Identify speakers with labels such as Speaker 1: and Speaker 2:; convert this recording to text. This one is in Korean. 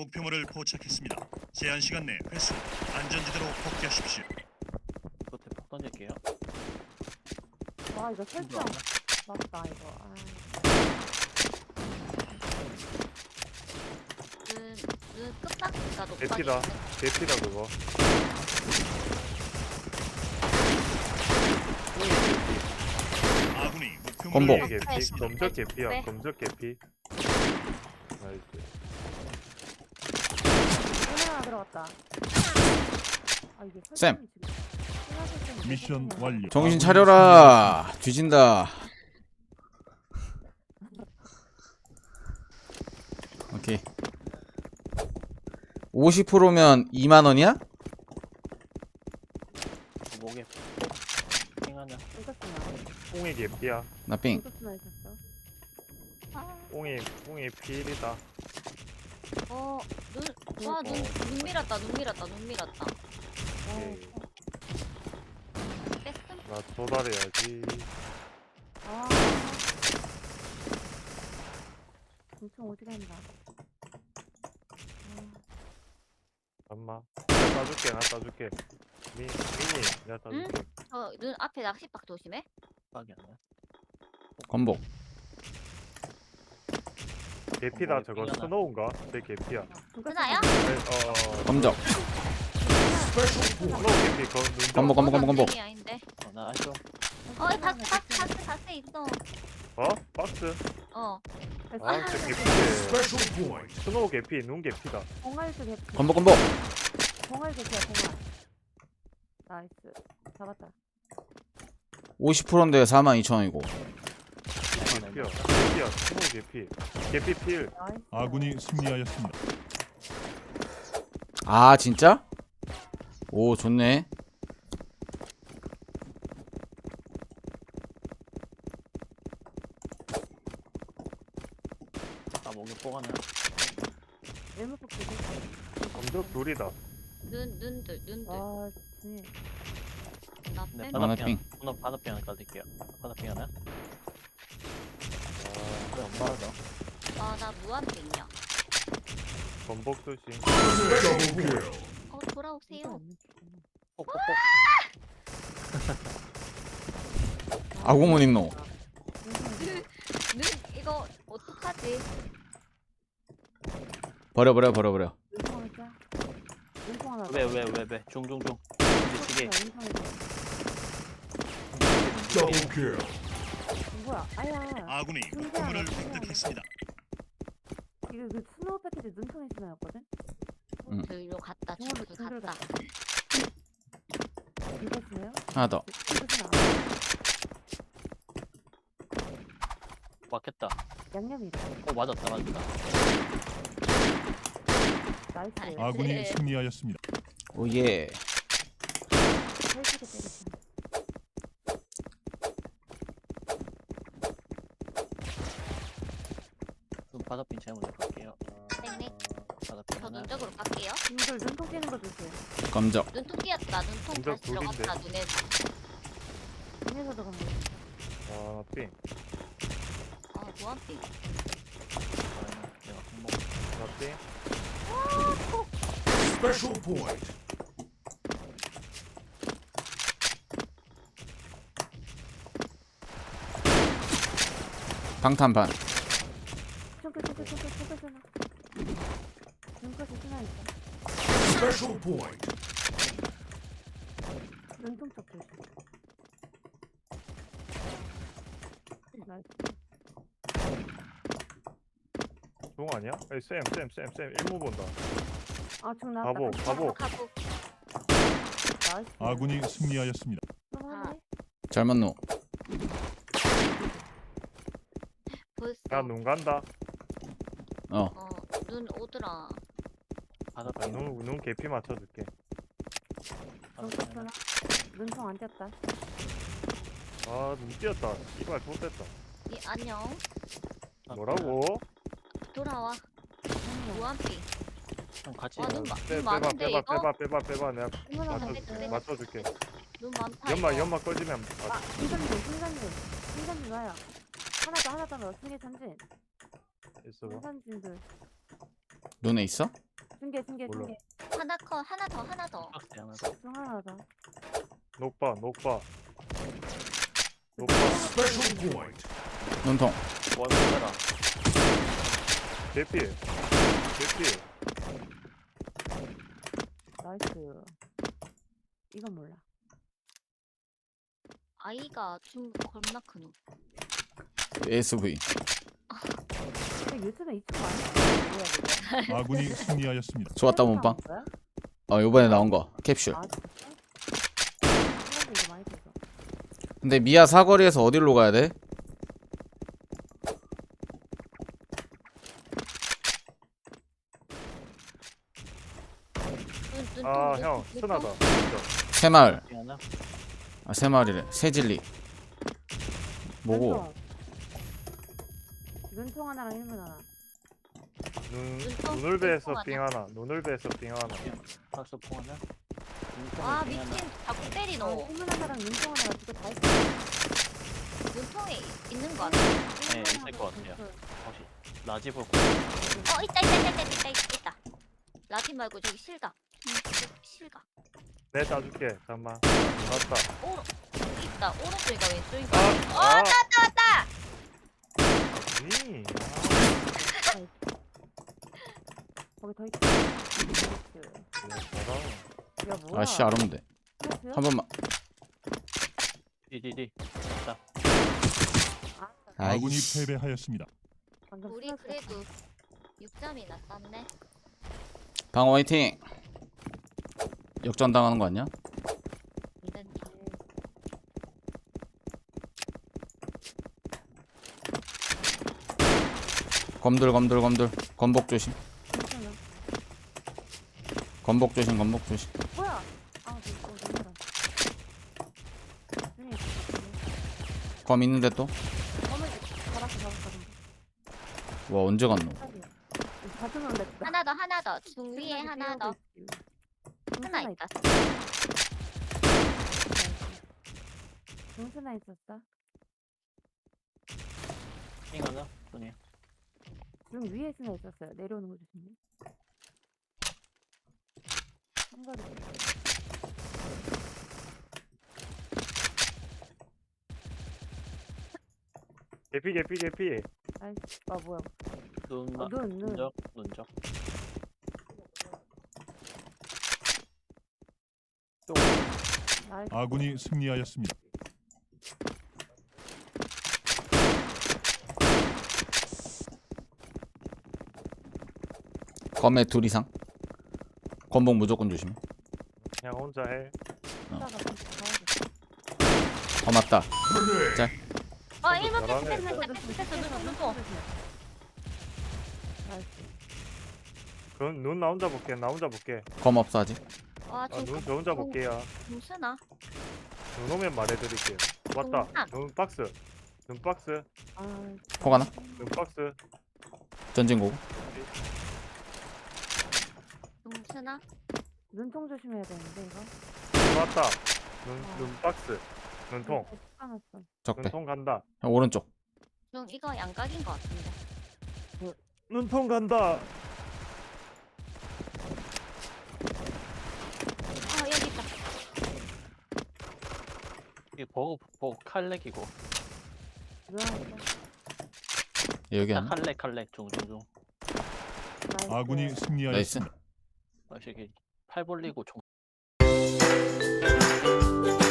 Speaker 1: 목표물을 포착했습니다. 제한 시간 내 회수. 안전지대로 복귀하십시오.
Speaker 2: 끝에 폭 던질게요.
Speaker 3: 와 이거 설정 맞다 이거. 아.
Speaker 4: 눈 끝박이가 높아지네.
Speaker 5: 대피다. 대피다 그거.
Speaker 1: 아군이
Speaker 5: 꽁
Speaker 1: 목표물을
Speaker 5: 이 개피.
Speaker 1: 확보했습니다.
Speaker 5: 검적 개피야.
Speaker 4: 네.
Speaker 5: 검적 개피. 나이스.
Speaker 3: 눈 하나 들어갔다. 아 이게
Speaker 6: 쌤.
Speaker 3: 설정이 지금 신화 설정이
Speaker 1: 미션
Speaker 3: 설정이야.
Speaker 1: 완료.
Speaker 6: 정신 차려라. 뒤진다. 오케이. 50%면 2만 원이야?
Speaker 2: 목에 핑하냐?
Speaker 3: 이것도
Speaker 5: 꽁이 개피야.
Speaker 6: 나 삥.
Speaker 3: 이것도 있었어.
Speaker 5: 꽁이 필이다.
Speaker 4: 눈 밀었다. 눈 밀었다.
Speaker 5: 오케이.
Speaker 4: 뺐음?
Speaker 5: 나 도달해야지.
Speaker 3: 아. 엄청 어디 간다.
Speaker 5: 잠깐만. 내가 따줄게. 나 따줄게. 미니 내가 따줄게.
Speaker 4: 눈 앞에 낚싯박 조심해.
Speaker 2: 빡이 안 나.
Speaker 6: 건복.
Speaker 5: 개피다 저거
Speaker 2: 핑하나.
Speaker 5: 스노우인가? 제 개피야.
Speaker 4: 그나야?
Speaker 6: 검적.
Speaker 5: 스노우 개피
Speaker 6: 건복 건복 건복 건복.
Speaker 4: 아닌데.
Speaker 2: 나 알죠.
Speaker 4: 다스 있어.
Speaker 5: 어? 박스?
Speaker 4: 어.
Speaker 5: 아 진짜 개피네. 스노우 개피 눈 개피다.
Speaker 3: 공알도 개피.
Speaker 6: 건복 건복.
Speaker 3: 공알 개피야 공알. 나이스. 잡았다.
Speaker 6: 50%인데 42,000원이고.
Speaker 5: 개피야 스노우 개피. 개피 필.
Speaker 3: 나이스.
Speaker 1: 아군이 승리하였습니다.
Speaker 6: 아 진짜? 오 좋네.
Speaker 2: 아 목에 폭 하나.
Speaker 3: 외모 뽑기.
Speaker 5: 검적 둘이다.
Speaker 4: 눈들.
Speaker 3: 와 진.
Speaker 4: 나
Speaker 2: 네,
Speaker 4: 뺀.
Speaker 6: 바나
Speaker 2: 바나핑.
Speaker 6: 핑.
Speaker 2: 바나핑 하나 까드릴게요. 바나핑 하나.
Speaker 5: 아
Speaker 2: 엄마 더.
Speaker 4: 나 무한빙이야.
Speaker 5: 검복 조심.
Speaker 4: 돌아오세요.
Speaker 2: 폭폭폭.
Speaker 6: 아구문 있노.
Speaker 4: 눈 이거 어떡하지?
Speaker 6: 버려.
Speaker 3: 눈통 하자. 눈통 하나.
Speaker 2: 왜 중중중. 미치게.
Speaker 3: 뭐야? 아야.
Speaker 1: 아군이 목표물을 획득했습니다.
Speaker 3: 이거 그 스노우 패키지 눈통에 신어였거든.
Speaker 4: 들로 갔다
Speaker 3: 중으로
Speaker 4: 중으로 갔다.
Speaker 3: 이거 신어요?
Speaker 6: 하나 더.
Speaker 3: 이거 신어.
Speaker 2: 맞겠다.
Speaker 3: 양념이.
Speaker 2: 맞았다.
Speaker 3: 나이스.
Speaker 1: 아군이 승리하였습니다.
Speaker 6: 오예.
Speaker 3: 살찌게 때리시네.
Speaker 2: 눈 바다핀 제가 먼저 볼게요.
Speaker 4: 땡땡.
Speaker 2: 바다핀
Speaker 4: 저
Speaker 2: 하나.
Speaker 4: 눈쪽으로 갈게요.
Speaker 3: 님들 눈통 깨는 거 조심.
Speaker 6: 검적.
Speaker 4: 눈통 끼었다. 눈통
Speaker 5: 눈쪽
Speaker 4: 다시 들어갔다.
Speaker 5: 둘인데.
Speaker 4: 눈에.
Speaker 3: 눈에서도 간다.
Speaker 5: 아 삥.
Speaker 4: 무한빙.
Speaker 2: 내가 공목.
Speaker 5: 나 삥.
Speaker 6: 방탄반.
Speaker 3: 총크. 눈까지 신어 있어. 눈통 쪽 조심. 나이스.
Speaker 5: 중 아니야? 에이 쌤 일무 본다.
Speaker 3: 아중 나왔다.
Speaker 5: 가보.
Speaker 3: 나이스.
Speaker 1: 아군이 승리하였습니다.
Speaker 3: 너무하네.
Speaker 6: 잘 맞노.
Speaker 4: 벌써.
Speaker 5: 야눈 간다.
Speaker 4: 눈 오더라.
Speaker 2: 바다핀.
Speaker 5: 눈 개피 맞춰줄게.
Speaker 2: 바다핀 하나.
Speaker 3: 눈통 안 띄었다.
Speaker 5: 아눈 띄었다. 이발 좋됐다.
Speaker 4: 안녕.
Speaker 5: 뭐라고?
Speaker 4: 돌아와. 무한빙.
Speaker 2: 좀 같이.
Speaker 4: 눈
Speaker 5: 빼봐
Speaker 4: 많은데 이거?
Speaker 5: 빼봐 내가
Speaker 3: 이거는
Speaker 4: 맞춰-
Speaker 3: 안
Speaker 5: 맞춰줄게.
Speaker 4: 눈 많다.
Speaker 5: 연마 꺼지면
Speaker 3: 아, 승산진 와요. 하나 더 넣어. 승리 삼진.
Speaker 5: 있어봐.
Speaker 3: 승산진들.
Speaker 6: 눈에 있어?
Speaker 3: 중계
Speaker 5: 몰라.
Speaker 4: 하나 컷 하나 더.
Speaker 2: 박스 하나 더.
Speaker 3: 중 하나 더.
Speaker 5: 녹바.
Speaker 6: 눈통.
Speaker 2: 원 보내라.
Speaker 5: 개피.
Speaker 3: 나이스. 이건 몰라.
Speaker 4: 아이가 좀 겁나 크노.
Speaker 6: ASV.
Speaker 3: 근데 유튜브에 이쪽 많이 뭐야 이거?
Speaker 1: 아군이 승리하였습니다.
Speaker 6: 좋았다
Speaker 3: 새로
Speaker 6: 몸빵.
Speaker 3: 나온 거야?
Speaker 6: 요번에 나온 거 캡슐.
Speaker 3: 아 진짜? 사람들이 이거 많이 들어.
Speaker 6: 근데 미아 사거리에서 어디로 가야 돼?
Speaker 5: 아, 형, 순하다. 진짜.
Speaker 6: 새마을.
Speaker 2: 하나.
Speaker 6: 아 새마을이래. 새진리. 뭐고?
Speaker 3: 눈통 하나랑 일문 하나.
Speaker 5: 눈을배에서 삥 하나. 눈을배에서 삥 하나.
Speaker 2: 박스 포 하나.
Speaker 4: 와 미친 자꾸 때리노.
Speaker 3: 일문 하나랑 눈통 하나가 두개 다 있어.
Speaker 4: 눈통에 있는 거 같아.
Speaker 2: 네, 있을 것 같아요. 혹시 라지 볼
Speaker 4: 있다. 라티 말고 저기 실각. 실각.
Speaker 5: 내 따줄게. 잠깐만. 맞다.
Speaker 4: 오른 있다. 오른쪽인가 왼쪽인가.
Speaker 5: 아,
Speaker 4: 왔다.
Speaker 5: 아니.
Speaker 3: 거기 더 있어.
Speaker 5: 나이스.
Speaker 3: 야 뭐야?
Speaker 6: 아씨 아름데.
Speaker 3: 스트레스야?
Speaker 6: 한 번만.
Speaker 2: 디디디.
Speaker 1: 아군이
Speaker 6: 아이씨.
Speaker 1: 패배하였습니다.
Speaker 3: 방금
Speaker 4: 우리
Speaker 3: 스트레스야.
Speaker 4: 그래도 6점이나 땄네.
Speaker 6: 방어 화이팅. 역전 당하는 거 아니야?
Speaker 4: 안 된다.
Speaker 6: 검들. 건복 조심.
Speaker 3: 괜찮아.
Speaker 6: 건복 조심.
Speaker 3: 뭐야? 아 이거 너무다. 중에 있어.
Speaker 6: 검 있는데 또?
Speaker 3: 검을 잡았어.
Speaker 6: 와 언제 갔노?
Speaker 3: 자주 놀랬다.
Speaker 4: 하나 더. 중 위에 하나 더. 하나 있다.
Speaker 3: 중순아 있었어.
Speaker 2: 핑 하나. 손이.
Speaker 3: 중 위에 스나 있었어요. 내려오는 거 조심해. 한가리.
Speaker 5: 개피.
Speaker 3: 아이씨, 아 뭐야?
Speaker 2: 눈.
Speaker 3: 눈.
Speaker 2: 눈적.
Speaker 3: 나이스.
Speaker 1: 아군이 승리하였습니다.
Speaker 6: 검에 둘 이상. 건복 무조건 조심.
Speaker 5: 그냥 혼자 해.
Speaker 3: 스나가 좀 가야겠다.
Speaker 6: 맞다.
Speaker 4: 일번
Speaker 5: 잘하네.
Speaker 4: 됐어. 눈통.
Speaker 3: 나이스.
Speaker 5: 그럼 눈 나 혼자 볼게.
Speaker 6: 검 없어 아직.
Speaker 4: 와,
Speaker 5: 아, 눈 저 혼자 볼게요.
Speaker 4: 중순아.
Speaker 5: 눈 오면 말해드릴게요. 왔다.
Speaker 4: 눈.
Speaker 5: 눈 박스.
Speaker 3: 아,
Speaker 6: 폭 하나.
Speaker 5: 눈 박스.
Speaker 6: 전진고고.
Speaker 4: 중순아.
Speaker 3: 눈통 조심해야 되는데 이거.
Speaker 5: 왔다. 눈 박스. 눈통.
Speaker 3: 까놨어.
Speaker 6: 적배.
Speaker 5: 눈통 간다.
Speaker 6: 오른쪽.
Speaker 4: 중 이거 양각인 것 같은데.
Speaker 5: 눈통 간다.
Speaker 4: 여기 있다.
Speaker 2: 이 버그 칼렉이고.
Speaker 3: 누나한테.
Speaker 6: 여기 하나.
Speaker 2: 칼렉 중.
Speaker 3: 나이스.
Speaker 1: 아군이 승리하였습니다.
Speaker 6: 나이스.
Speaker 2: 이게 팔 벌리고 종.